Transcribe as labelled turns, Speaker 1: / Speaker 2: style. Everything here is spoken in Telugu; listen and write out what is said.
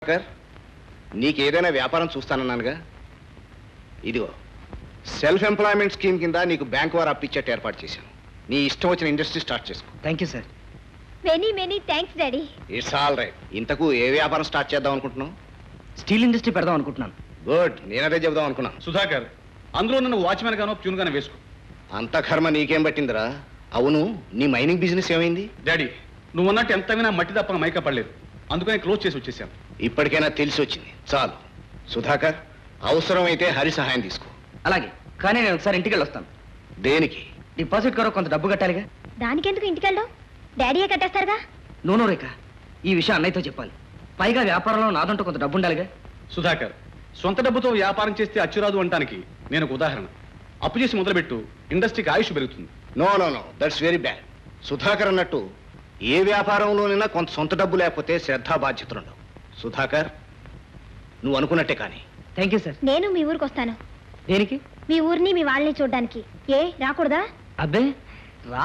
Speaker 1: నీకేదైనా వ్యాపారం చూస్తానన్నానుగా. ఇదిగో సెల్ఫ్ ఎంప్లాయ్మెంట్ స్కీమ్ కింద నీకు బ్యాంక్ వారు అప్పిచ్చేట్టు ఏర్పాటు చేశాను. నీ ఇష్టం వచ్చిన ఇండస్ట్రీ స్టార్ట్ చేసుకో.
Speaker 2: Thank you sir.
Speaker 3: Many thanks daddy.
Speaker 1: It's all right. ఇంతకు ఏ వ్యాపారం స్టార్ట్ చేద్దాం అనుకుంటున్నావు?
Speaker 2: స్టీల్ ఇండస్ట్రీ పెడదాం అనుకుంటున్నాను.
Speaker 1: గుడ్, నేనదే చెబుదాం అనుకున్నాను.
Speaker 4: సుధాకర్, అందులో నన్ను వాచ్మెన్ గానో ప్యూన్ గానో వేసుకో.
Speaker 1: అంత కర్మ నీకేం పట్టిందిరా? అవును, నీ మైనింగ్ బిజినెస్ ఏమైంది?
Speaker 4: డాడీ, నువ్వు అన్నట్టు ఎంత వినా మట్టి తప్ప మైకా పడలేదు. అందుకని క్లోజ్ చేసి వచ్చేసాను.
Speaker 1: ఇప్పటికైనా తెలిసి వచ్చింది, చాలు. సుధాకర్, అవసరమైతే హరి సహాయం తీసుకో.
Speaker 2: అలాగే, కానీ నేను ఒకసారి ఇంటికి వెళ్ళొస్తాను.
Speaker 1: దేనికి?
Speaker 2: డిపాజిట్ కొరకు కొంత డబ్బు కట్టాలిగా.
Speaker 3: దానికెందుకు ఇంటికెళ్ళావు? డాడీయే కట్టేస్తారుగా.
Speaker 2: నూనె రేఖ, ఈ విషయం అన్నయ్యతో చెప్పాలి. పైగా వ్యాపారంలో నాదంటూ కొంత డబ్బు ఉండాలిగా.
Speaker 4: సుధాకర్, సొంత డబ్బుతో వ్యాపారం చేస్తే అచ్చురాదు అంటానికి నేను ఒక ఉదాహరణ. అప్పు చేసి మొదలుపెట్టు, ఇండస్ట్రీకి ఆయుష్ పెరుగుతుంది.
Speaker 1: No, that's very bad. Sudhakar అన్నట్టు ఏ వ్యాపారంలోనైనా కొంత సొంత డబ్బు లేకపోతే శ్రద్ధా బాధ్యతలు ఉండవు. సుధాకర్, నువ్వు అనుకున్నట్టే కానీ.
Speaker 2: Thank you sir.
Speaker 3: నేను మీ ఊరికి వస్తాను.
Speaker 2: దేనికి?
Speaker 3: మీ ఊరిని మీ వాళ్ళని చూడడానికి. ఏ రాకూడదా?
Speaker 2: అబ్బే,